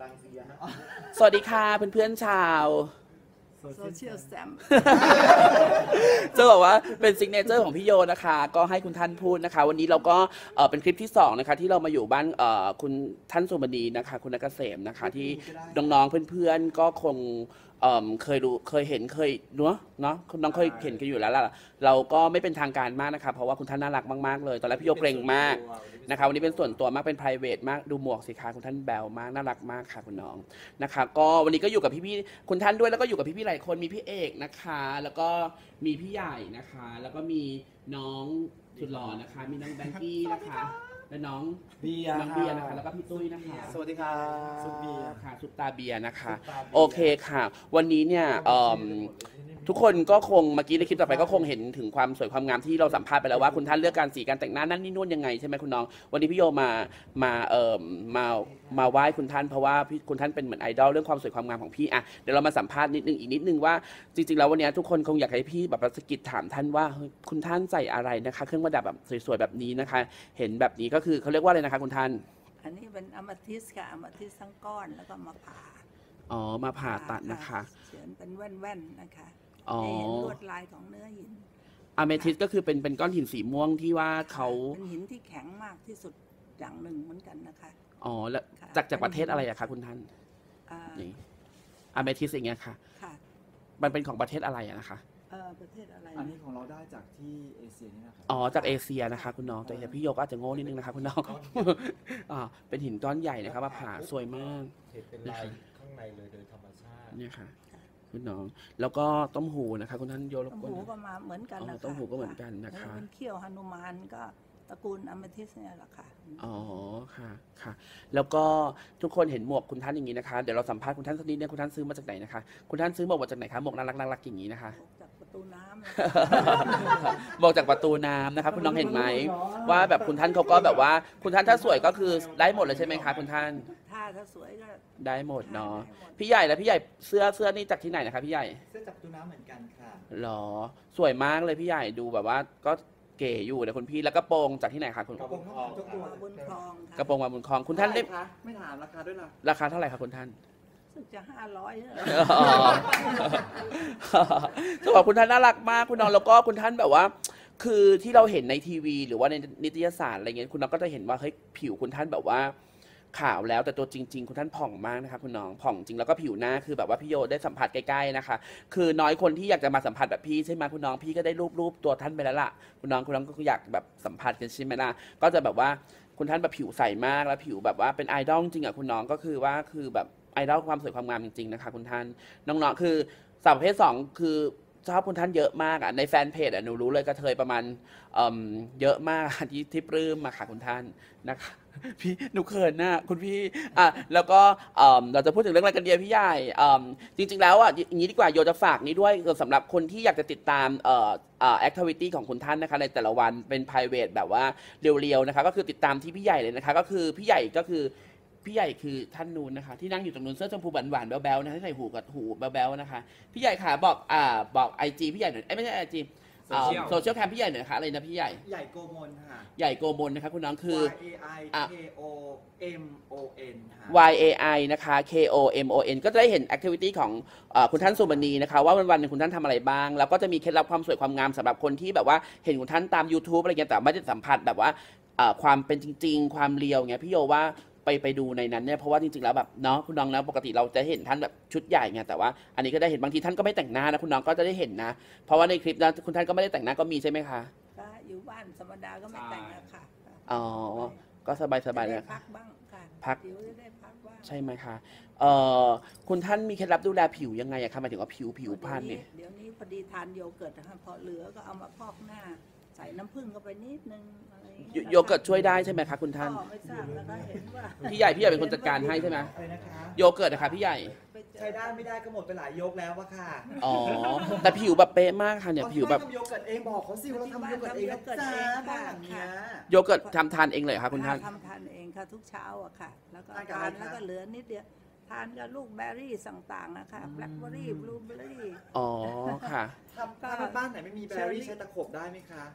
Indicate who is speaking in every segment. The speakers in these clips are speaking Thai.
Speaker 1: ตังค์เสีย
Speaker 2: สวัสดีค่ะเพื่อนๆชาว
Speaker 3: โซเชียลแซม
Speaker 2: จะบอกว่าเป็นซิกเนเจอร์ของพี่โยนะคะก็ให้คุณท่านพูดนะคะวันนี้เราก็เป็นคลิปที่2นะคะที่เรามาอยู่บ้านคุณท่านสุมณีนะคะคุณนักเกษมนะคะที่น้องๆเพื่อนๆก็คงเคยรู้เคยเห็นเคยเนาะคุณน้องเคยเห็นกันอยู่แล้วล่ะเราก็ไม่เป็นทางการมากนะคะเพราะว่าคุณท่านน่ารักมากๆเลยตอนแรกพี่โยเกรงมากนะคะวันนี้เป็นส่วนตัวมากเป็น private มากดูหมวกสิคะคุณท่านแบลมากน่ารักมากค่ะคุณน้องนะคะก็วันนี้ก็อยู่กับพี่ๆคุณท่านด้วยแล้วก็อยู่กับพี่ๆหลายคนมีพี่เอกนะคะแล้วก็มีพี่ใหญ่นะคะแล้วก็มีน้องสุดหล่อนะคะมีน้องแบงกี้นะคะและน้องเบียร์นะคะแล้วก็พี่ตุ้ยนะคะ
Speaker 1: สวัสดีครับ
Speaker 2: ซุปเบียร์ค่ะซุปตาเบียร์นะคะโอเคค่ะวันนี้เนี่ยทุกคนก็คงเมื่อกี้ในคลิปต่อไปก็คงเห็นถึงความสวยความงามที่เราสัมภาษณ์ไปแล้วว่าคุณท่านเลือกการสีการแต่งหน้านั่นนี่นู่นยังไงใช่ไหมคุณน้องวันนี้พี่โยมาไหว้คุณท่านเพราะว่าคุณท่านเป็นเหมือนไอดอลเรื่องความสวยความงามของพี่อ่ะเดี๋ยวเรามาสัมภาษณ์นิดนึงว่าจริงๆแล้ววันนี้ทุกคนคงอยากให้พี่แบบสะกิดถามท่านว่าคุณท่านใส่อะไรนะคะเครื่องประดับแบบสวยๆแบบนี้นะคะเห็นแบบนี้ก็คือเขาเรียกว่าอะไรนะคะคุณท่าน
Speaker 3: อันนี้เป็นอะมาทิสค่ะอะมาทิสทั้งก้อนแล้วก็มาผ่า
Speaker 2: มาผ่าตัดนะคะ
Speaker 3: เขียนเป็นแว่นๆนะคะ
Speaker 2: ให้
Speaker 3: เห็นลวดลายของเนื้อหิน
Speaker 2: อะเมทิสก็คือเป็นก้อนหินสีม่วงที่ว่าเขา
Speaker 3: เป็นหินที่แข็งมากที่สุดอย่างหนึ่งเหมือนกันนะคะ
Speaker 2: แล้วจากประเทศอะไรอะคะคุณท่านนี่อะเมทิสอย่างเงี้ยค่ะมันเป็นของประเทศอะไรอะนะคะ
Speaker 3: ประเทศอะไร
Speaker 1: อันนี้ของเราได้จากที่เอเชียนี่นะครับ
Speaker 2: จากเอเชียนะคะคุณน้องแต่พี่โยก็อาจจะโง่นิดนึงนะคะคุณน้องเป็นหินก้อนใหญ่นะครับมาผ่าสวยมาก
Speaker 1: เป็นลายข้างในเลยโดยธรรมชาติ
Speaker 2: เนี่ยค่ะคุณน้องแล้วก็ต้มหูนะคะคุณท่านโยรบกวน
Speaker 3: ต้มหูก็มาเหมือนกันนะคะ
Speaker 2: ต้มหูก็เหมือนกันนะคะ
Speaker 3: เป็นเขี้ยวหนุมานก็ตระกูลอะเมทิสเนี่ยแหละค่ะ
Speaker 2: ค่ะแล้วก็ทุกคนเห็นหมวกคุณท่านอย่างนี้นะคะเดี๋ยวเราสัมภาษณ์คุณท่านสักนิดเนี่ยคุณท่านซื้อมาจากไหนนะคะคุณท่านซื้อหมวกมาจากไหนคะหมวกน่ารักอย่างนี้นะคะ
Speaker 3: จากประตูน้
Speaker 2: ำหมวกจากประตูน้ำนะคะคุณน้องเห็นไหมว่าแบบคุณท่านเขาก็แบบว่าคุณท่านถ้าสวยก็คือได้หมดเลยใช่ไหมคะคุณท่าน
Speaker 3: ถ้าสวยก็
Speaker 2: ได้หมดเนาะพี่ใหญ่แล้วพี่ใหญ่เสื้อนี่จากที่ไหนนะคะพี่ใหญ่
Speaker 1: เสื้อจากประตูน้ำเหมือนกันค่ะ
Speaker 2: หรอสวยมากเลยพี่ใหญ่ดูแบบว่าก็เก๋อยู่นะคุณพี่แล้วกระโปรงจากที่ไหนคะคุณ
Speaker 1: กระโปรง
Speaker 3: บนคลอง
Speaker 2: กระโปรงมาบนคลองคุณท่านได้
Speaker 1: ไม่ถามราคาด้วยนะ
Speaker 2: ราคาเท่าไหร่คะคุณท่าน
Speaker 3: สึกจะ500
Speaker 2: จะบอกคุณท่านน่ารักมากคุณน้องแล้วก็คุณท่านแบบว่าคือที่เราเห็นในทีวีหรือว่าในนิตยสารอะไรเงี้ยคุณน้องก็จะเห็นว่าเฮ้ยผิวคุณท่านแบบว่าขาวแล้วแต่ตัวจริงๆคุณท่านผ่องมากนะคะคุณน้องผ่องจริงแล้วก็ผิวหน้าคือแบบว่าพี่โยได้สัมผัสใกล้ๆนะคะคือน้อยคนที่อยากจะมาสัมผัสแบบพี่ใช่ไหมคุณน้องพี่ก็ได้รูปตัวท่านไปแล้วล่ะคุณน้องก็อยากแบบสัมผัสกันใช่ไหมล่ะก็จะแบบว่าคุณท่านแบบผิวใสมากแล้วผิวแบบว่าเป็นไอดอลจริงอ่ะคุณน้องก็คือว่าคือแบบไอดอลความสวยความงามจริงๆนะคะคุณท่านน้องๆคือสาวประเภท2คือชอบคุณท่านเยอะมากอ่ะในแฟนเพจอ่ะหนูรู้เลยกระเทยประมาณเยอะมากที่ปลื้มมาค่ะคุณท่านนะคะพี่หนูเขินนะคุณพี่แล้วก็เราจะพูดถึงเรื่องอะไรกันเดียพี่ใหญ่จริงๆแล้วอย่างนี้ดีกว่าโยจะฝากนี้ด้วยสำหรับคนที่อยากจะติดตามactivity ของคุณท่านนะคะในแต่ละวันเป็น private แบบว่าเรียวๆนะคะก็คือติดตามที่พี่ใหญ่เลยนะคะก็คือพี่ใหญ่ก็คือพี่ใหญ่คือท่านนูนนะคะที่นั่งอยู่ตรงนู้นเสื้อชมพูหวานๆแบ๊วๆนะที่ใส่หูกับหูแบ๊วๆนะคะพี่ใหญ่ค่ะบอก IG พี่ใหญ่หน่อยไม่ใช่ IGโซเชียลแคมพี่ใหญ่หน่อยค่ะอะไรนะพี่ใหญ่
Speaker 1: ใหญ่โกมลค่ะ
Speaker 2: ใหญ่โกมลนะคะคุณน้องคือ
Speaker 1: YAIKOMON
Speaker 2: นะคะ KOMON ก็จะได้เห็นแอคทิวิตี้ของคุณท่านสุมณีนะคะว่าวันๆนึงคุณท่านทำอะไรบ้างแล้วก็จะมีเคล็ดลับความสวยความงามสำหรับคนที่แบบว่าเห็นคุณท่านตาม YouTube อะไรเงี้ยแต่ไม่ได้สัมผัสแบบว่าความเป็นจริงๆความเรียวเงี้ยพี่โยว่าไปดูในนั้นเนี่ยเพราะว่าจริงๆแล้วแบบเนาะคุณน้องนะปกติเราจะเห็นท่านแบบชุดใหญ่ไงแต่ว่าอันนี้ก็ได้เห็นบางทีท่านก็ไม่แต่งหน้านะคุณน้องก็จะได้เห็นนะเพราะว่าในคลิปนะคุณท่านก็ไม่ได้แต่งหน้าก็มีใช่ไหมคะ
Speaker 3: ก็อยู่บ้านธรรมดาก็ไม่แต่งแล้วค่ะ
Speaker 2: ก็สบายๆเลย
Speaker 3: พักบ้างค่ะ
Speaker 2: พัก
Speaker 3: ได้พักบ้าง
Speaker 2: ใช่ไหมคะคุณท่านมีเคล็ดลับดูแลผิวยังไงอะคะหมายถึงว่าผิวพรรณเนี่ย
Speaker 3: เดี๋ยวนี้พอดีทานโยเกิร์ตนะคะพอเหลือก็เอามาพอกหน้าใส่น้ำผึ้งเข้าไปนิดนึงอะไร
Speaker 2: โยเกิร์ตช่วยได้ใช่ไหมคะคุณท่าน
Speaker 3: ไม่ทราบแล้วก็เห็นว่า
Speaker 2: พี่ใหญ่เป็นคนจัดการให้ใช่ไหมโยเกิร์ตนะคะพี่ใหญ่
Speaker 1: ใช้ได้ไม่ได้ก็หมดไปหลายยกแล้ววะค่ะ
Speaker 2: แต่ผิวแบบเป๊ะมากค่ะเนี่ยผิวแบบ
Speaker 1: ทำโยเกิร์ตเองบอกเขาสิว่าทำโยเกิร์ตเองจ้าบ้านเนี้ย
Speaker 2: โยเกิร์ตทำทานเองเลยค่ะคุณท่าน
Speaker 3: ทำทานเองค่ะทุกเช้าอะค่ะแล้วก็ทานแล้วก็เหลือนิดเดียวทานกับลูกแบร์รี่ต่างๆนะคะแบล็คเบอร์รี่บลูเบอร์รี่
Speaker 2: อ๋อค่ะ
Speaker 1: ถ้าบ้านไหนไม่มีแบรี่ใช้ตะขบได้ไหมคะ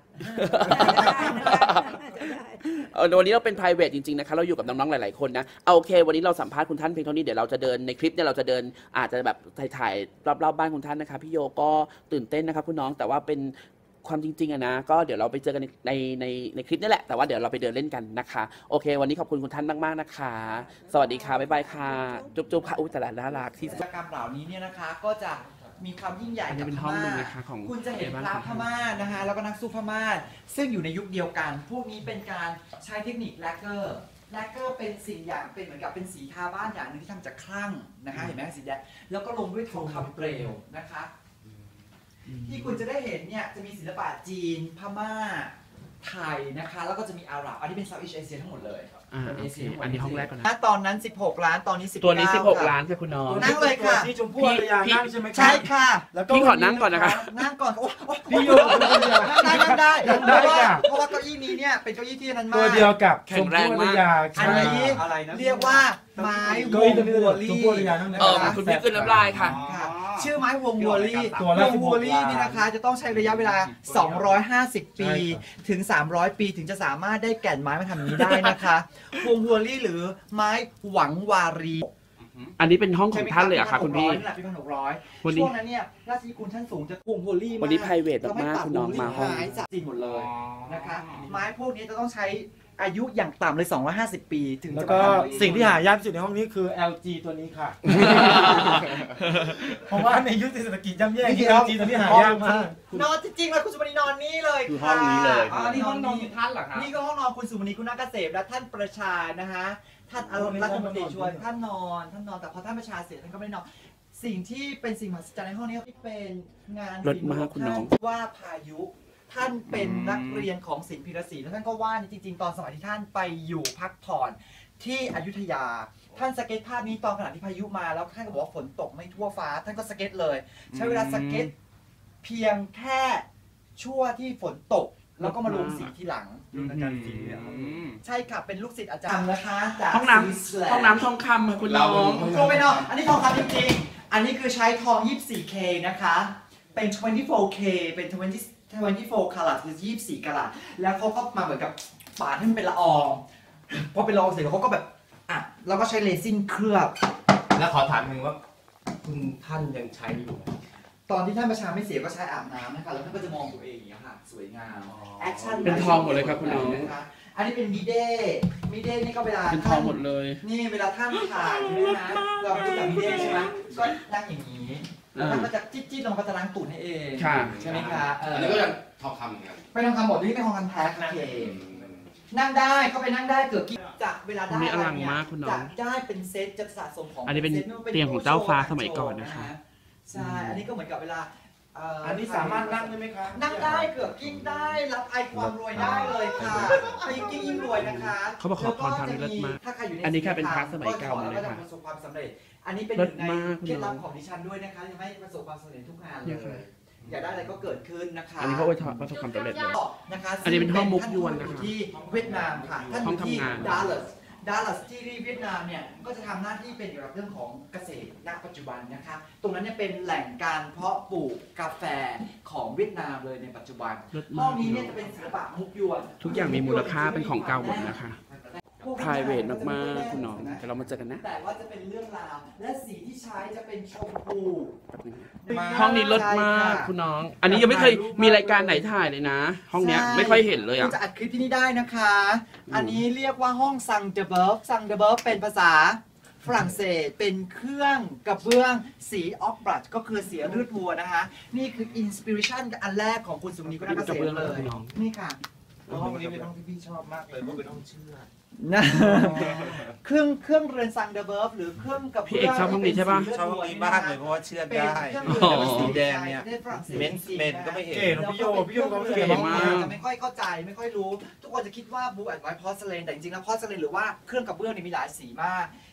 Speaker 2: วันนี้เราเป็น private จริงๆนะคะเราอยู่กับน้องๆหลายๆคนนะเอาโอเควันนี้เราสัมภาษณ์คุณท่านเพียงเท่านี้เดี๋ยวเราจะเดินในคลิปเนี่ยเราจะเดินอาจจะแบบถ่ายรอบๆบ้านคุณท่านนะคะพี่โยก็ตื่นเต้นนะครับคุณน้องแต่ว่าเป็นความจริงๆอะนะก็เดี๋ยวเราไปเจอกันในคลิปนี่แหละแต่ว่าเดี๋ยวเราไปเดินเล่นกันนะคะโอเควันนี้ขอบคุณคุณท่านมากๆนะคะสวัสดีค่ะบ๊ายบายค่ะจุ๊บๆค่ะอุ้ยแต่ละน่ารักที่
Speaker 1: กิจกรรมเหล่านี้เนี่ยนะคะก็จะมีความยิ่งใหญ่
Speaker 2: อันนี้
Speaker 1: กับ
Speaker 2: เป็น
Speaker 1: พ
Speaker 2: ห้องหนึ่
Speaker 1: ม่าง
Speaker 2: นะคะของ
Speaker 1: คุณจะเห็น
Speaker 2: ในบ้าน
Speaker 1: พระ
Speaker 2: ของ
Speaker 1: พม่านะคะแล้วก็นักสู้พม่าซึ่งอยู่ในยุคเดียวกัน พวกนี้เป็นการใช้เทคนิคแลกเกอร์เป็นสิ่งอย่างเป็นเหมือนกับเป็นสีทาบ้านอย่างหนึ่งที่ทำจากคลั่งนะคะเห็นไหมสีแดงแล้วก็ลงด้วยทองคำเปลวนะคะที่คุณจะได้เห็นเนี่ยจะมีศิลปะจีนพม่าไทยนะคะแล้วก็จะมีอาหรับอันนี้เป็นเซาท์อีสต์เอเชียทั้งหมดเลย
Speaker 2: โอเคอันนี้ห้องแรกก่อนนะ
Speaker 1: ตอนนั้น16 ล้านตอนนี้19
Speaker 2: ตัวนี้
Speaker 1: ค่ะ
Speaker 2: 16 ล้านค่ะคุณน้อง
Speaker 1: นั่งเลยค่ะ
Speaker 4: ที่ชมพู่อารยานั่งใช่ไหมครับ
Speaker 1: ใช่ค่ะ
Speaker 4: แล้วก็
Speaker 2: พี่ขอนั่งก่อนนะคะ
Speaker 1: นั่งก่อนโอ้ย
Speaker 4: พี่โยเป็นคนเดียว
Speaker 1: นั่งได้
Speaker 4: ได้ค่ะ
Speaker 1: เพราะว่าเก้าอี้นี้เนี่ยเป็นเก้าอี้ที่นั้นมาก
Speaker 4: ตัวเดียวกับ
Speaker 2: แข็
Speaker 4: ช
Speaker 2: ง
Speaker 4: ม
Speaker 2: แรง
Speaker 4: พู่อาร
Speaker 2: มาก
Speaker 4: ยา
Speaker 1: อันนี้
Speaker 4: อะไรนะ
Speaker 1: เรียกว่าไม้ว
Speaker 4: เก้าอี้
Speaker 1: ง
Speaker 4: ตัวนี้
Speaker 1: วัว
Speaker 4: ช
Speaker 1: ลี่
Speaker 4: มพู่อารยานั่งได้
Speaker 2: คุณพี่กลืนน้ำลายค่ะ
Speaker 1: ค่ะชื่อไม้วงวัวลี่
Speaker 4: ตัวละ
Speaker 1: วงวัวลี่
Speaker 4: 16
Speaker 1: นี่นะคะจะต้องใช้ระยะเวลา 250 ปี ถึง 300 ปีถึงจะสามารถได้แก่นไม้มาทำอย่างนี้ได้นะคะวงวัวลี่หรือไม้หวังวารี
Speaker 2: อันนี้เป็นห้องของท่านเลยอะค่ะคุณพี่
Speaker 1: นี่แหละปี1600
Speaker 2: วันนี้
Speaker 1: ช่วงนั้นเนี่ยราชนิกูลท่านสูงจะวงวัวลี่มาก
Speaker 2: วันนี้ private มากๆคุณน้องมาห้อง
Speaker 1: ไม้จากจีนหมดเลยนะคะไม้พวกนี้จะต้องใช้อายุอย่างต่ำเลย250 ปีถึง
Speaker 4: แล้ว
Speaker 1: จะ
Speaker 4: ก็
Speaker 1: มาทำ
Speaker 4: สิ่งที่หายากที่สุดในห้องนี้คือ LG ตัวนี้ค่ะ เพราะว่าในยุคเศรษฐกิจย่ำแย่ที่ LG ตัวนี้หายากมาก
Speaker 1: นอนจริงๆแล้วคุณสุมณีนอนนี่เลย
Speaker 2: คือห้องนี้เลย
Speaker 1: ค่ะ
Speaker 2: อันนี้ห้องนอน
Speaker 1: ท่านเหรอครับนี่ก็ห้องนอนคุณสุมณีคุณนักเกษมและท่านประชานะฮะท่านอารมณ์รัฐมนตรีชวนท่านนอนแต่พอท่านประชาเสร็จท่านก็ไม่ได้นอนสิ่งที่เป็นสิ่งมหัศจรรย์ในห้องนี้ที่เป็นงาน
Speaker 2: รถม้าคุณน้อง
Speaker 1: ว่าพายุท่านเป็นนักเรียนของศิลป์พิรศรีแล้วท่านก็ว่าจริงๆ ตอนสมัยที่ท่านไปอยู่พักผ่อนที่อยุธยา ท่านสเก็ตภาพนี้ตอนขณะที่พายุมาแล้วท่านก็บอกว่าฝนตกไม่ทั่วฟ้า ท่านก็สเก็ตเลย ใช้เวลาสเก็ตเพียงแค่ชั่วที่ฝนตก แล้วก็มาลงสีทีหลัง ใช่ค่ะเป็นลูกศิษย์อาจารย์นะคะจาก
Speaker 2: ห้องน้
Speaker 1: สวิตเซอร์แล
Speaker 2: ำห้องน้ำทองคำค่ะคุณน้อง
Speaker 1: โทรไปเนาะอันนี้ทองคำจริงๆ อันนี้คือใช้ทอง 24K นะคะ เป็น 24K เป็น 24 karat คือ 24 กะรัตแล้วเขาก็มาเหมือนกับปาดให้มันเป็นละอองพอเป็นละอองเสร็จแล้วเขาก็แบบอ่ะแล้วก็ใช้เรซินเคลือบ
Speaker 5: แล้วขอถามหนึ่งว่าคุณท่านยังใช้อยู่ไหม
Speaker 1: ตอนที่ท่านประชาไม่เสียก็ใช้อาบน้ำนะคะแล้วท่านก็จะมองตัวเองอย่างเงี้ยค่ะสวยงามแอคชั่น
Speaker 2: เป็นทองหมดเลยครับคุณน้อง
Speaker 1: นะคะอันนี้เป็นมิเด้นี่ก็เวลา
Speaker 2: เป็นทองหมดเลย
Speaker 1: นี่เวลาท่านถ่ายใช่ไหมนะเราพูดกับมิเด้ใช่ไหมก็นั่งอย่างนี้แล้วท่านก็จะจิ๊ดๆลงก็จะล้างตูดให้เอง
Speaker 2: ค่ะ
Speaker 1: ใช่ไหมคะ
Speaker 5: อันนี้ก็ยังทองคำเหมือนกัน
Speaker 1: ไปทองคำหมดนี่เป็นทองคำแท้โอเคนั่งได้เข้าไปนั่งได้เกือบกี่จากเวลาได้
Speaker 2: อันนี้อลัง
Speaker 1: เนี่ย
Speaker 2: มากคุณน้อง
Speaker 1: จากได้เป็นเซตจะสะสมของ
Speaker 2: อันนี้เป็น
Speaker 1: ซตไม่ว่า
Speaker 2: เตียงของเจ้าฟ้าสมัยก่อนนะคะ
Speaker 1: ใช่อันนี้ก็เหมือนกับเวลา
Speaker 4: อันนี้สามารถนั่งได้ไหมคะ
Speaker 1: นั่งได้เกือบกิ้งได้รับไอความรวยได้เลยค่ะยิ่งยิ่งรวยนะคะ
Speaker 2: เขาบอกขอพรทางนี้เลิศมาก
Speaker 1: ถ้าใครอยู่ใน
Speaker 2: อันนี้แค่เป็นพระสมัยเก่า
Speaker 1: แล้ว
Speaker 2: เลย
Speaker 1: ก็จะ
Speaker 2: ค่ะ
Speaker 1: ประสบความสำเร็จ อันนี้เป็นห
Speaker 2: เลิ
Speaker 1: นึ่
Speaker 2: ศ
Speaker 1: งใน
Speaker 2: มากคุณ
Speaker 1: เคล็ด
Speaker 2: น้
Speaker 1: ลั
Speaker 2: อบ ง
Speaker 1: ของดิฉันด้วยนะคะยังไม่ประสบความสำเร็จทุกงานเล
Speaker 2: เนี่ยค่ะ
Speaker 1: ยอยากได้อะไรก็เกิดขึ้นนะคะ
Speaker 2: อันนี้เขาไว้ประสบความสำเร็จเลย
Speaker 1: นะคะ
Speaker 2: อันนี้เป็นห้องมุกยวนนะคะ
Speaker 1: ท่าอยู่ที่เวียดนามค่ะท่านอ
Speaker 2: ห้อง
Speaker 1: ยู่ที่
Speaker 2: ทำงาน
Speaker 1: ดัลลัสที่เวียดนามเนี่ยก็จะทำหน้าที่เป็นเกี่ยวกับเรื่องของเกษตรณปัจจุบันนะคะ ตรงนั้นเนี่ยเป็นแหล่งการเพาะปลูกกาแฟของเวียดนามเลยในปัจจุบัน
Speaker 2: เลิศ
Speaker 1: ห้อ
Speaker 2: มาง ก
Speaker 1: นี้เนี่ยจะเป็นศิลปะมุกยวน
Speaker 2: ทุกอย่างมีมูลค่าเป็นของเก่าหมดนะคะ private มากๆคุณน้องเดี๋ยวเรามาเจอกันนะ
Speaker 1: แต่ว่าจะเป็นเรื่องราวและสีที่ใช้จะเป็นชมพู
Speaker 2: ห้องนี้เลิศมากคุณน้อง อันนี้ยังไม่เคยมีรายการไหนถ่ายเลยนะ ห้องเนี้ยไม่ค่อยเห็นเลย
Speaker 1: คุ
Speaker 2: อ่ะ
Speaker 1: ณจะอัดคลิปที่นี่ได้นะคะ อันนี้เรียกว่าห้องซังเดเบิร์ฟซังเดเบิร์ฟเป็นภาษาฝรั่งเศสเป็นเครื่องกระเบื้องสีออกบรัชก็คือสีเลือดวัวนะคะ นี่คืออินสปิเรชันอันแรกของคุณสุมณีกุณเกษมเลย นี่ค่ะ
Speaker 4: ห้องนี้เป็นห้องที่พี่ชอบมากเลยเพราะเป็นห้องเชื่อ
Speaker 1: นะเครื่องเรือนซังเดเบิร์ฟหรือเครื่องกระ
Speaker 2: พี่
Speaker 1: เบื้
Speaker 2: เอกชอบห้องนี้ใช่ปะ
Speaker 4: ชอบห้องนี้มากเลยเพราะว่าเชื่อ
Speaker 1: เป็น
Speaker 4: ได้
Speaker 1: เครื่องเรือน
Speaker 4: สีแดงเนี่ย
Speaker 1: ประทศฝรั่งศส
Speaker 4: เมนก็ไม่เห็น
Speaker 1: เก๋นะพี่โยก็เก๋
Speaker 2: มาม
Speaker 1: าก กจะไม่ค่อยเข้าใจไม่ค่อยรู้ ทุกคนจะคิดว่าบูแอนด์ไวท์พอร์สเลนแต่จริงๆแล้วพอร์สเลนหรือว่าเครื่องกระเบื้องเนี่ยมีหลายสีมาก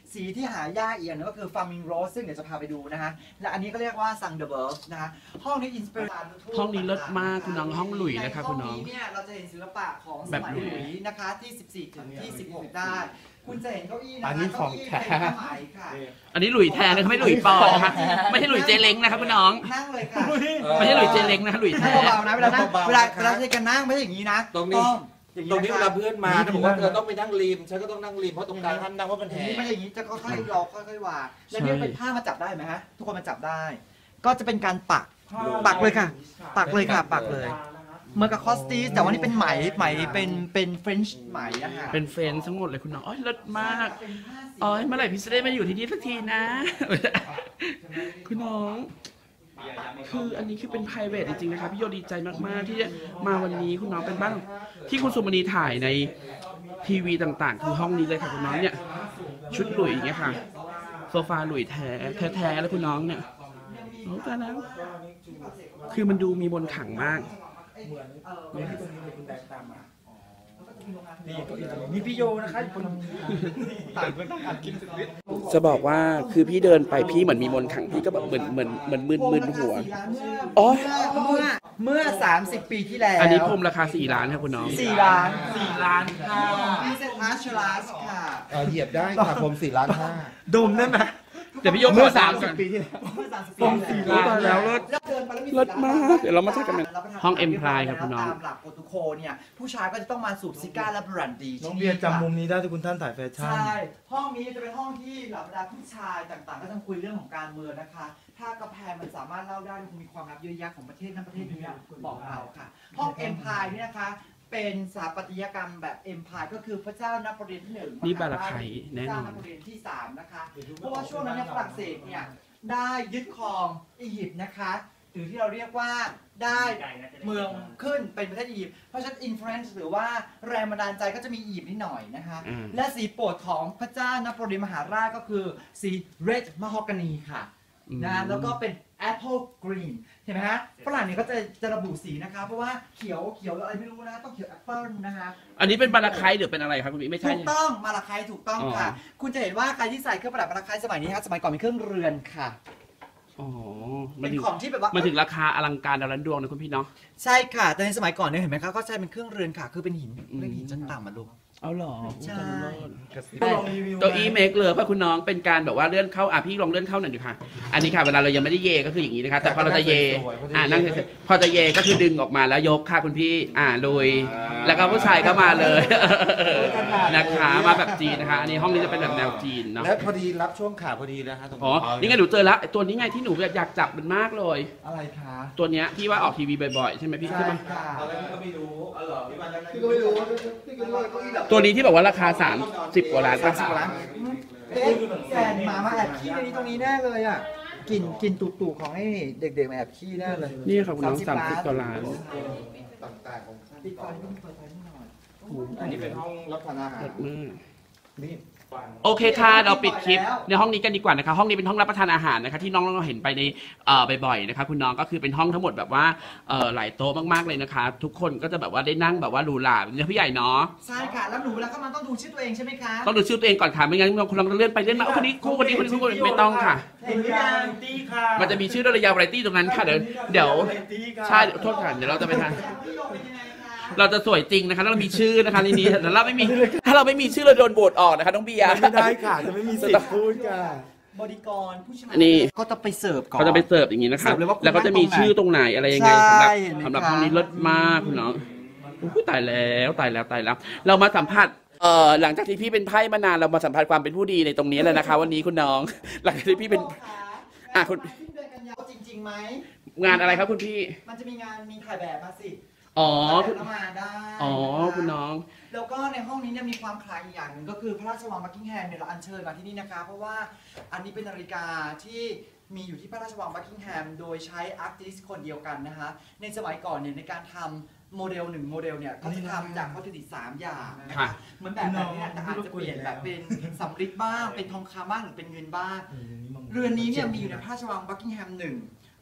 Speaker 1: สีที่หายากอีกอย่างนึงก็คือ Flaming Rose ซึ่งเดี๋ยวจะพาไปดูนะฮะและอันนี้ก็เรียกว่า Thunderbird นะฮะห้องนี้อินสปิเรชัน
Speaker 2: ห้องนี้เลิศมากคุณน้องห้องหลุยนะคะคุณน้อง
Speaker 1: ในห้องนี้เนี่ยเราจะเห็นศิลปะของส
Speaker 2: แบบ
Speaker 1: มัย
Speaker 2: หลุย
Speaker 1: หลุยนะคะที่ 14 ถึงที่ 16 ได้ คุณจะเห็นเก้าอี้นะคะ
Speaker 5: อันนี้ของ
Speaker 1: เก้าอี้เป็นผ้าไหมค่ะ
Speaker 2: อันนี้หลุยแท้นะคะไม่หลุยปลอมนะคะไม่ใช่หลุยเจเล้งนะคะคุณน้อง
Speaker 1: นั่งเลยค่ะ
Speaker 2: ไม่ใช่หลุยเจเล้งนะคะหลุย
Speaker 1: นั่
Speaker 2: แท้
Speaker 1: งเบาๆนะเวลานั่งเวลาใช้กันนั่งไม่ใช่อย่างนี้นะ
Speaker 5: ตรงนี้
Speaker 1: อย่าง
Speaker 5: ตรงนี้
Speaker 1: ะ
Speaker 5: เว
Speaker 1: คะ
Speaker 5: ลาเพื่อนมาเขาบอกว่าเธอต้องไปนั่งริมฉันก็ต้องนั่งริมเพราะตรงกลางท่านนั่งว่ามัน
Speaker 1: อ
Speaker 5: แห
Speaker 1: ย่างนี้ไม่
Speaker 5: ง
Speaker 1: ใช่อย่างนี้จะค่อยๆรอค่อยๆวางแล้วเนี่ยเป็นผ้ามาจับได้ไหมฮะทุกคนมาจับได้ ก็จะเป็นการปักเลยค่ะ ปักเลยค่ะปักเลยเหมือนกับคอสตีสแต่ว่านี่เป็นไหมเป็นเฟรนช์ไหมอะค่ะ
Speaker 2: เป็นเฟรนด์ทั้งหมดเลยคุณน้องอ๋อเลิศมาก
Speaker 1: เป็นผ้าสี
Speaker 2: อ๋อเมื่อไหร่พี่จะได้มาอยู่ที่นี่สักทีนะ คุณน้อง คืออันนี้คือเป็น private จริงๆนะคะพี่โยดีใจมากๆที่มาวันนี้คุณน้องเป็นบ้านที่คุณสุมณีถ่ายในทีวีต่างๆ คือห้องนี้เลยค่ะคุณน้องเนี่ยชุดหลุยอย่างเงี้ยค่ะโซฟาหลุยแท้แล้วคุณน้องเนี่ยโอ้ตายแล้วคือมันดูมีมนต์ขลังมาก
Speaker 4: นี่ที่ตรงนี้เลยคุณแดงตามมานี่เก้าอี้ตรงนี้นี่พี่โยนะคะคนต่างคนต่างอัดกินสุดฤทธิ์
Speaker 2: จะบอกว่าคือพี่เดินไปพี่เหมือนมีมนต์ขลังพี่ก็แบบเหมือนมึนหัว อ๋อ
Speaker 1: เมื่อ 30 ปีที่แล้ว
Speaker 2: อันนี้พรมราคา4 ล้านครับคุณน้อง
Speaker 1: 4 ล้าน
Speaker 4: 4 ล้านค่ะ
Speaker 1: พิเศษอาร์ชลาสค่ะ
Speaker 5: เหยียบได้ค่ะผม4 ล้าน 5
Speaker 4: ดมได้ไหม
Speaker 2: เดี๋ยวพี่โย
Speaker 5: เมื่อ
Speaker 2: ขอก่น
Speaker 5: 30 ปีที่แล้ว
Speaker 1: เมื่อ30
Speaker 4: ตรงสี่ล้าน
Speaker 2: แล้วเลิศ
Speaker 1: แล้วเดินไปแล้วมี
Speaker 2: เลิศมากเดี๋ยวเรามาถ่ายกัน
Speaker 1: รับประทาน
Speaker 2: ห้อง Empire ครับคุณน้อง
Speaker 1: ตามหลักโปรโตโคลเนี่ยผู้ชายก็จะต้องมาสูบซิก้าและบรันดี
Speaker 4: น้องเบียร์จำมุมนี้ได้ที่คุณท่านถ่ายแฟชั่น
Speaker 1: ใช่ห้องนี้จะเป็นห้องที่เหล่าบรรดาผู้ชายต่างๆ ก็จะคุยเรื่องของการเมืองนะคะ ถ้ากระแพงมันสามารถเล่าได้มันมีความลับเยอะแยะของประเทศนั้นประเทศนี้บอกเราค่ะ ห้อง Empire เนี่ยนะคะเป็นสถาปัตยกรรมแบบ Empire ก็คือพระเจ้านโปเลียนที่หนึ่ง
Speaker 2: นี่บาราไคแน่นอน
Speaker 1: พระเจ้านโปเลียนที่3นะคะเพราะว่าช่วงนั้นเนี่ยฝรั่งเศสเนี่ยได้ยึดครองอียิปต์นะคะหรือที่เราเรียกว่าได้เมืองขึ้นเป็นประเทศอียิปต์เพราะฉะนั้นอินฟลูเอนซ์หรือว่าแรงบันดาลใจก็จะมีอียิปต์นิดหน่อยนะคะ
Speaker 2: อืม
Speaker 1: และสีโปรดของพระเจ้านโปเลียนมหาราชก็คือสี red mahogany ค่ะนะแล้วก็เป็น apple green เห็นไหมฮะฝรั่งเนี่ยก็จะระบุสีนะคะ เพราะว่าเขียวอะไรไม่รู้นะต้องเขียวแอปเปิลนะคะ
Speaker 2: อันนี้เป็นบาราไคหรือเป็นอะไรครับคุณพี่ไม่ใช่
Speaker 1: ถูกต้องมาลาไคถูกต้องค่ะ
Speaker 2: อ๋อ
Speaker 1: คุณจะเห็นว่าใครที่ใส่เครื่องประดับมาลาไคสมัยนี้ฮะสมัยก่อนเป็นเครื่องเรือนค่ะ
Speaker 2: อ๋อ มั
Speaker 1: เป็น น
Speaker 2: ถึง
Speaker 1: ของที่แบบว่า
Speaker 2: มันถึงราคาอลังการดาวล้านดวงนะคุณพี่เนาะ
Speaker 1: ใช่ค่ะ แต่ในสมัยก่อนเนี่ยเห็นไหมคะก็ใช้เป็นเครื่องเรือนค่ะ คือเป็นหินเรียกหินชั้นต่ำมาลูก
Speaker 2: เอาหรอ
Speaker 1: ใช่
Speaker 4: ก็ลองรีวิว
Speaker 2: เก้าอี้เมคเลยป่ะคุณน้องเป็นการแบบว่าเลื่อนเข้าพี่ลองเลื่อนเข้าหน่อยดิค่ะ อันนี้ค่ะเวลาเรายังไม่ได้เยก็คืออย่างนี้นะคะแต่พอเราจะเยนั่งเฉยๆพอจะเยก็คือดึงออกมาแล้วยกค่ะคุณพี่ลุยแล้วก็ผู้ชายก็มาเลยนะคะมาแบบจีนนะคะ อันนี้ห้องนี้จะเป็นแบบแนวจีนเนาะ
Speaker 5: และพอดีรับช่วงขาพอดีแล้วฮะตรง
Speaker 2: อ๋อนี่ไงหนูเจอแล้วตัวนี้ไงที่หนูอยากจับมันมากเลย
Speaker 1: อะไรคะ
Speaker 2: ตัวเนี้ยที่ว่าออกทีวีบ่อยๆใช่ไหมพี่
Speaker 1: ใช่
Speaker 2: ใช่ไหม
Speaker 1: ค่ะ
Speaker 5: ตอนแรกพี่ก็ไม่รู้อ๋อเหรอพี่วัน
Speaker 1: พี่ก็ไม่รู้พี่ก็รู้ว่าเก้าอี้แบบ
Speaker 2: ตัวนี้ที่บอกว่าราคา30 กว่าล้านป่ะ
Speaker 1: 30 กว่าล้านเอ๊ะแฟนหมาแอบขี้ในนี้ตรงนี้แน่เลยอ่ะกินตุ่ๆของไอ้เด็กๆมาแอบขี้แน่เลย
Speaker 2: นี่ค่ะคุณน้อง30 กว่าล้าน
Speaker 5: ต่างๆของ
Speaker 1: ปิดไฟนิดนึงเปิดไฟนิดหน่อย
Speaker 5: อันนี้เป็นห้องรับทานอาหาร
Speaker 2: เลิศมาก
Speaker 5: นี่
Speaker 2: โอเคค่ะเราปิดคลิปในห้องนี้กันดีกว่านะคะห้องนี้เป็นห้องรับประทานอาหารนะคะที่น้องๆเห็นไปในบ่อยๆนะคะคุณน้องก็คือเป็นห้องทั้งหมดแบบว่าหลายโต๊ะมากๆเลยนะคะ ทุกคนก็จะแบบว่าได้นั่งแบบว่าหรูหราเป็นพี่ใหญ่เนาะ
Speaker 1: ใช่ค่ะแล้วหนูแล้วก็มันต้องดูชื่อตัวเองใช่ไหมคะ
Speaker 2: ต้องดูชื่อตัวเองก่อนค่ะไม่งั้นคนเราเลื่อนไปเลื่อนมาคนนี้คู่คนนี้ไม่ต้องค่ะ
Speaker 1: เห็นหรือยัง
Speaker 4: ตี้ค่ะ
Speaker 2: มันจะมีชื่อระยะวาไรตี้ตรงนั้นค่ะเดี๋ยวใช่โทษค่ะเดี๋ยวเราจะไปทาน
Speaker 1: พี่โยเป็นยังไงคะ
Speaker 2: เราจะสวยจริงนะคะแล้วเรามีชื่อนะคะในนี้แต่เราไม่มีถ้าเราไม่มีชื่อเราโดนโหวตออกนะคะน้องเบียร์
Speaker 4: ไม่ได้ค่ะ จะไม่มีสิทธิ์พูดค่ะ
Speaker 1: บริกรผู้ชาย
Speaker 2: นี่
Speaker 1: ก็จะไปเสิร์ฟก่อน
Speaker 2: เขาจะไปเสิร์ฟอย่างนี้นะคะ
Speaker 1: เสิร์ฟเลยว่าคุณ
Speaker 2: แล้วก็จะมีชื่อตรงไหนอะไรยังไง
Speaker 1: ใช่
Speaker 2: สำหรับ
Speaker 1: เห็นไหมคะ
Speaker 2: ห้องนี้เลิศมากคุณน้องอุ๊ยตายแล้วเรามาสัมผัสหลังจากที่พี่เป็นไพ่มานานเรามาสัมผัสความเป็นผู้ดีในตรงนี้แล้วนะคะ วันนี้คุณน้อง หลังจากที่พี่เป็น อ่ะคุณ
Speaker 1: สิ้นเดือนกันยายนจริงๆไหม
Speaker 2: งานอะไรครับคุณพี่
Speaker 1: มันจะมีงานมีถ่ายแบบมาสิ
Speaker 2: อ๋อ
Speaker 1: ถ่ายแบบแล้วมาได้
Speaker 2: อ๋อ
Speaker 1: นะคะ
Speaker 2: คุณน้อง
Speaker 1: แล้วก็ในห้องนี้เนี่ยมีความคล้ายอีกอย่างหนึ่งก็คือพระราชวังบักกิงแฮมเนี่ยเราอัญเชิญมาที่นี่นะคะ เพราะว่าอันนี้เป็นนาฬิกาที่มีอยู่ที่พระราชวังบักกิงแฮมโดยใช้อาร์ติสต์คนเดียวกันนะคะในสมัยก่อนเนี่ยในการทำโมเดล1โมเดลเนี่ยเขาจะทำจากวัตถุดิบ3อย่างนะ
Speaker 2: ค่ะ
Speaker 1: คะเหมือนแบบนี้แต่อาจจะเปลี่ยนแบบเป็นสำริดบ้างเป็นทองคำบ้างหรือเป็นเงินบ้าง เรือนนี้เนี่ยมีอยู่ในพระราชวังบักกิงแฮม1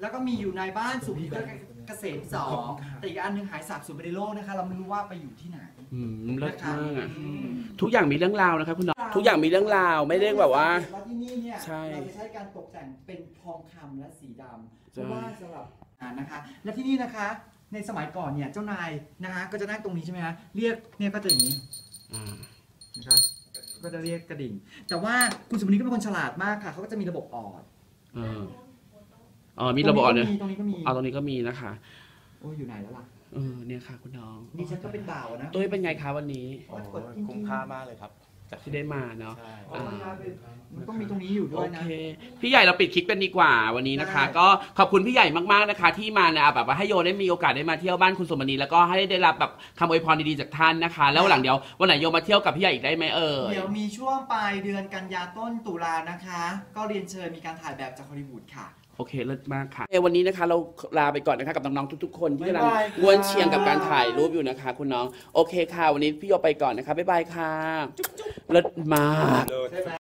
Speaker 1: แล้วก็มีอยู่ในบ้านสุขเกษม2แต่อีกอันนึงหายสาบสูญไปในโลกนะคะเราไม่รู้ว่าไปอยู่ที่ไหน
Speaker 2: เลิศมากอ่ะทุกอย่างมีเรื่องราวนะครับคุณน้องทุกอย่างมีเรื่องราวไม่ได้แบบว่า
Speaker 1: แล้วที่นี่เนี่ย
Speaker 2: ใช่
Speaker 1: เราจะใช้การตกแต่งเป็นทองคำและสีดำเพราะว่าสำหรับนะคะ และที่นี่นะคะในสมัยก่อนเนี่ยเจ้านายนะคะก็จะนั่งตรงนี้ใช่ไหมฮะเรียกเนี่ยก็จะอย่างนี้นะคะก็จะเรียกกระดิ่ง แต่ว่าคุณสุมณีก็เป็นคนฉลาดมากค่ะเขาก็จะมีระบบออด
Speaker 2: มีระบบเนี่ย
Speaker 1: ตรงนี้ก็มี
Speaker 2: ตรงนี้ก็มีนะคะ
Speaker 1: โอ้อยู่ไหนแล้วล่ะ
Speaker 2: เนี่ยค่ะคุณน้อง
Speaker 1: นี่ฉันก็เป็นบ่าวนะ
Speaker 2: ตุ้ยเป็นไงคะวันนี้
Speaker 5: คุ้มค่ามากเลยครับ
Speaker 2: ที่ได้มาเนาะ
Speaker 5: ใช่
Speaker 1: มันต้องมีตรงนี้อยู่ด้
Speaker 2: โอ
Speaker 1: วยนะ
Speaker 2: เคพี่ใหญ่เราปิดคลิปกันดีกว่าวันนี้นะคะ
Speaker 1: ได้
Speaker 2: ก็ขอบคุณพี่ใหญ่มากๆนะคะ ที่มานะแบบว่าให้โยได้มีโอกาสได้มาเที่ยวบ้านคุณสมณีแล้วก็ให้ได้รับแบบคำอวยพรดีๆจากท่านนะคะแล้ววันหลังเดี๋ยววันไหนโยมาเที่ยวกับพี่ใหญ่อีกได้ไหม
Speaker 1: เดี๋ยวมีช่วงปลายเดือนกันยาต้นตุลานะคะ ก็เรียนเชิญมีการถ่ายแบบจากฮอลลีวูดค่ะ
Speaker 2: โอเคเลิศมากค่ะวันนี้นะคะเราลาไปก่อนนะคะกับน้องๆทุกๆคนที่กำลัง
Speaker 1: บ๊ายบายค่ะ
Speaker 2: ง้วนเชียงกับการถ่ายรูปอยู่นะคะ คุณน้องโอเคค่ะ วันนี้พี่โยไปก่อนนะคะบ๊ายบายค่ะเลิศมาก
Speaker 1: ใช่ไหม